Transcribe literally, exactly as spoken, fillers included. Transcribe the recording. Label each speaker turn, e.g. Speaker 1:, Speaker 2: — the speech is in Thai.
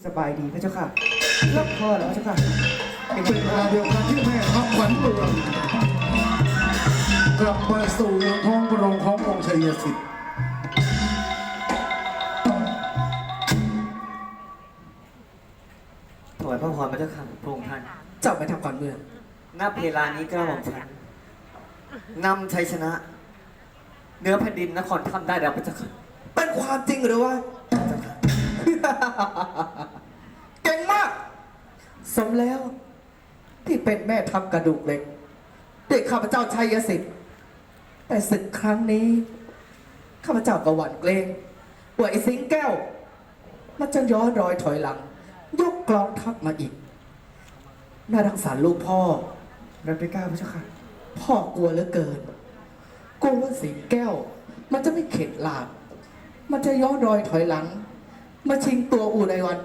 Speaker 1: สบายดีพระเจ้าค่ะรับพ่อแล้วพระเจ้าค่ะเป็น
Speaker 2: เป็นเวลาเดียวกันที่แม่ทัพขวัญเมืองกลับมาสู่ยังท้องพระโรงขององค์ชัยสิทธิ์
Speaker 3: ถวายพระพรพระเจ้าค่ะพระองค์ท่าน
Speaker 1: เจ้าไปทำก่อนเมือง
Speaker 3: ณเวลานี้กระหม่อมฉันนำชัยชนะเหนื้อแผ่นดินนครถ้ำได้แล้วพระเจ้าค่ะ
Speaker 1: เป็นความจริงหรือว่า
Speaker 3: พระเจ้าค่ะ
Speaker 1: เก่งมาก สมแล้ว ที่เป็นแม่ทัพกระดูกเหล็กด้วยข้าพเจ้าชัยสิทธิ์แต่ศึกครั้งนี้ข้าพเจ้าก็หวั่นเกรงว่าไอ้สิงแก้ว มันจะย้อนรอยถอยหลัง ยกกลองทัพมาอีกน่ารังสารลูกพ่อรับไปก้าวพระเจ้าค่ะ พ่อกลัวเหลือเกินกลัวว่าสิงแก้ว มันจะไม่เข็ดหลาบมันจะย้อนรอยถอยหลัง มาชิงตัวอู่ในวัน